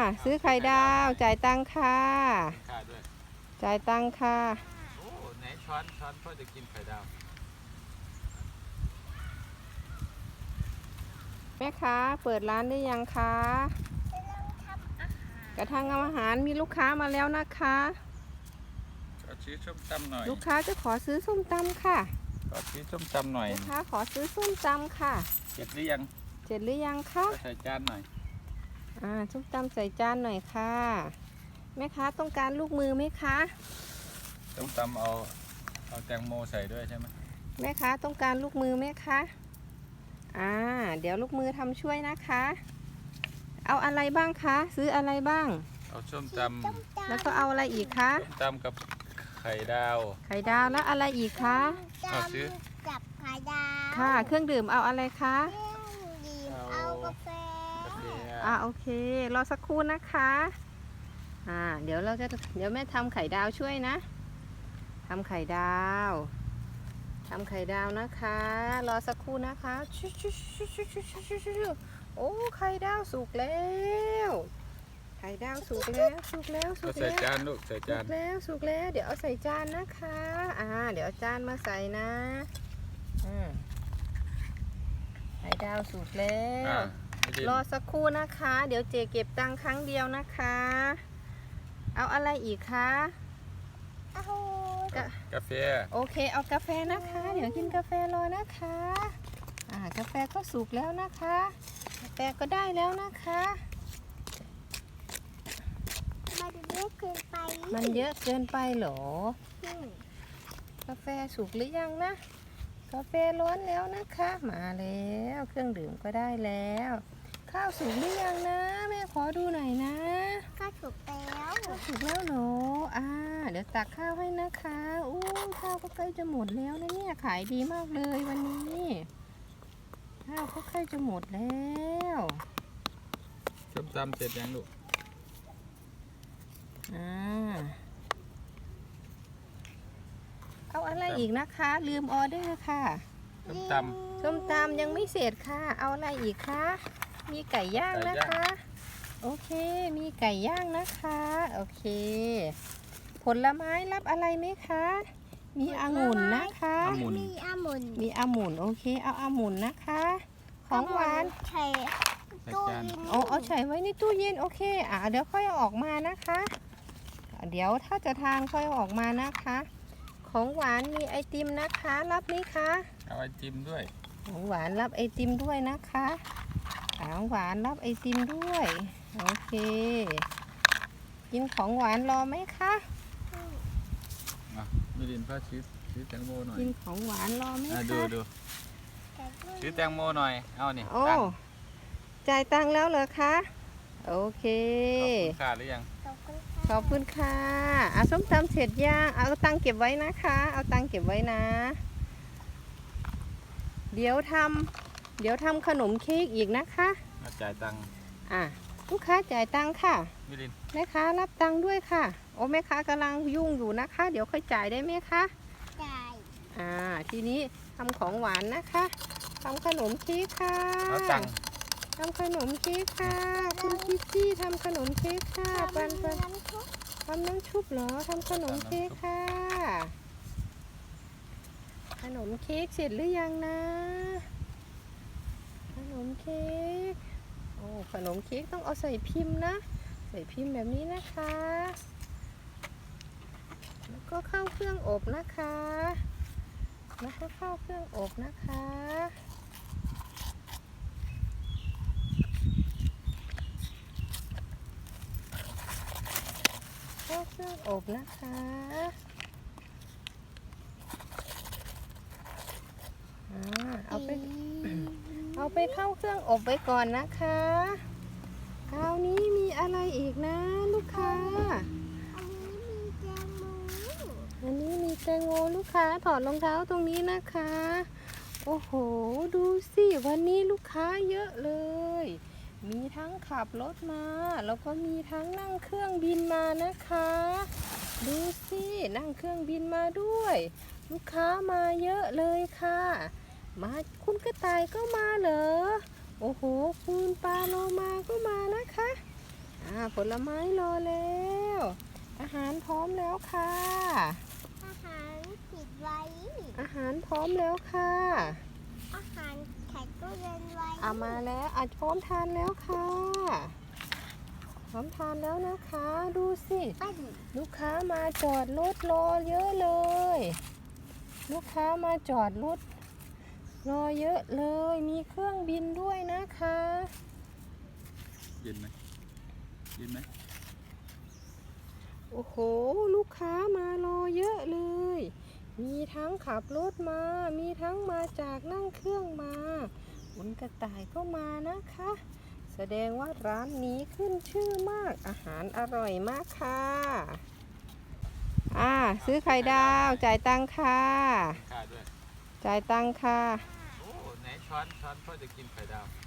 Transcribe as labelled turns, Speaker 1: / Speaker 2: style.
Speaker 1: ซื้อไข่ดาวจ่ายตังค่ะ
Speaker 2: ค่าด้วย
Speaker 1: จ่ายตังค่ะ
Speaker 2: โอ้ไหนช้อนพ่อจะกินไข่ดาว
Speaker 1: แม่ค้าเปิดร้านได้ยังคะกระทั่งอาหารมีลูกค้ามาแล้วนะคะ
Speaker 2: ขอซื้อส้มตำหน่อย
Speaker 1: ลูกค้าจะขอซื้อส้มตำค่ะ
Speaker 2: ขอซื้อส้มตำหน่อย
Speaker 1: ลูกค้าขอซื้อส้มตำค่ะ
Speaker 2: เสร็จหรือยัง
Speaker 1: เสร็จหรือยังคะ
Speaker 2: ใส่จานหน่อย
Speaker 1: ส้มตำใส่จานหน่อยค่ะแม่ค้าต้องการลูกมือไหมคะ
Speaker 2: ส้มตำเอาแตงโมใส่ด้วยใช่ไหม
Speaker 1: แม่ค้าต้องการลูกมือไหมคะเดี๋ยวลูกมือทำช่วยนะคะเอาอะไรบ้างคะซื้ออะไรบ้าง
Speaker 2: เอาส้มต
Speaker 1: ำแล้วก็เอาอะไรอีกคะ
Speaker 2: ส้มตำกับไข่ดาว
Speaker 1: แล้วอะไรอีกคะ
Speaker 2: เอาซื้อ
Speaker 3: กับไข่ดาว
Speaker 1: ค่ะเครื่องดื่มเอาอะไรคะ
Speaker 3: เอากาแฟ
Speaker 1: โอเครอสักครู่นะคะเดี๋ยวแม่ทำไข่ดาวช่วยนะทำไข่ดาวนะคะรอสักครู่นะคะโอ้ไข่ดาวสุกแล้วใส่
Speaker 2: จานลูกใส่จาน
Speaker 1: สุกแล้วเดี๋ยวเอาใส่จานนะคะเดี๋ยวเอาจานมาใส่นะไข่ดาวสุกแล้วรอสักครู่นะคะเดี๋ยวเจเก็บตังค์ครั้งเดียวนะคะเอาอะไรอีกคะ
Speaker 3: เอา
Speaker 2: กาแฟ
Speaker 1: โอเคเอากาแฟนะคะเดี๋ยวกินกาแฟรอนะคะกาแฟก็สุกแล้วนะคะกาแฟก็ได้แล้วนะคะมันเยอะเกินไปเหรอกาแฟสุกหรือยังนะกาแฟร้อนแล้วนะคะมาแล้วเครื่องดื่มก็ได้แล้วข้าวสุกหรือยังนะแม่ขอดูหน่อยนะ
Speaker 3: ข้าวสุกแล้ว
Speaker 1: หนูเดี๋ยวตักข้าวให้นะคะข้าวก็ใกล้จะหมดแล้วนะเนี่ยขายดีมากเลยวันนี้ข้าวก็ใกล้จะหมดแล้ว
Speaker 2: ส้มตำเสร็จยังลูก
Speaker 1: เอาอะไรอีกนะคะลืมออเดอร์ค่ะส้มตำยังไม่เสร็จค่ะเอาอะไรอีกคะมีไก่ย่างนะคะโอเคมีไก่ย่างนะคะโอเคผลไม้รับอะไรไหมคะมีองุ่นนะคะ
Speaker 3: มี
Speaker 1: องุ่นโอเคเอาองุ่นนะคะของหวาน
Speaker 3: ใช่ตู้เย็น
Speaker 1: เอาใส่ไว้ในตู้เย็นโอเคเดี๋ยวค่อยเอาออกมานะคะเดี๋ยวถ้าจะทานค่อยเอาออกมานะคะของหวานมีไอติมนะคะรับไหมคะ
Speaker 2: เอาไอติมด้วย
Speaker 1: ของหวานรับไอติมด้วยนะคะของหวานรับไอติมด้วยโอเคกินของหวานรอไหมคะ
Speaker 2: มีดินพ่อซื้อแตงโมหน่อย
Speaker 1: กินของหวานรอไหมคะ
Speaker 2: ดูซื้อแตงโมหน่อยเอานี่
Speaker 1: จ่ายตังค์แล้วเหรอคะโอเค
Speaker 2: ขอบคุณค่ะหรือยัง
Speaker 1: ขอบคุณค่ะส้มตำเสร็จย่างเอาตังค์เก็บไว้นะคะเอาตังค์เก็บไว้นะเดี๋ยวทำขนมเค้กอีกนะคะ
Speaker 2: จ่ายตังค์
Speaker 1: ลูกค้าจ่ายตังค์ค่ะแม่ค้ารับตังค์ด้วยค่ะแม่ค้ากำลังยุ่งอยู่นะคะเดี๋ยวค่อยจ่ายได้ไหมคะ
Speaker 3: จ่าย
Speaker 1: ทีนี้ทำของหวานนะคะทำขนมเค้กค่ะทำขนมเค้กค่ะคุณคิสซี่ทำขนมเค้กค่ะปันทำน้ำชุบเหรอทำขนมเค้กค่ะขนมเค้กเสร็จหรือยังนะขนมเค้กขนมเค้กต้องเอาใส่พิมพ์นะใส่พิมพ์แบบนี้นะคะแล้วก็เข้าเครื่องอบนะคะแล้วก็เข้าเครื่องอบนะคะเข้าเครื่องอบนะคะเอาไปเข้าเครื่องอบไว้ก่อนนะคะคราวนี้มีอะไรอีกนะลูกค้าอันนี้มีแตงโมลูกค้าถอดรองเท้าตรงนี้นะคะโอ้โหดูสิวันนี้ลูกค้าเยอะเลยมีทั้งขับรถมาแล้วก็มีทั้งนั่งเครื่องบินมานะคะดูสินั่งเครื่องบินมาด้วยลูกค้ามาเยอะเลยค่ะมาคุณกระต่ายก็มาเหรอโอ้โหคุณปลาโลมาก็มานะคะผลไม้รอแล้ว อาหารพร้อมแล้วค่ะ
Speaker 3: อาหารปิดไว้
Speaker 1: อาหารพร้อมแล้วค่ะ
Speaker 3: อาหารใส่ตู้เย็นไว้
Speaker 1: เอามาแล้วพร้อมทานแล้วค่ะพร้อมทานแล้วนะคะ ดูสิ
Speaker 3: ปั้น
Speaker 1: ลูกค้ามาจอดรถรอเยอะเลย ลูกค้ามาจอดรถรอเยอะเลย มีเครื่องบินด้วยนะคะ
Speaker 2: เย็นไหมเย็นไหม
Speaker 1: โอ้โห ลูกค้ามารอเยอะเลย มีทั้งขับรถมา มีทั้งมาจากนั่งเครื่องมาคุณกระต่ายก็มานะคะ แสดงว่าร้านนี้ขึ้นชื่อมาก อาหารอร่อยมากค่ะ ซื้อไข่ดาว จ่ายตังค่ะ
Speaker 2: ข้าด้วย
Speaker 1: จ่ายตังค่ะ
Speaker 2: โอ้ไหนช้อนเพื่อจะกินไข่ดาว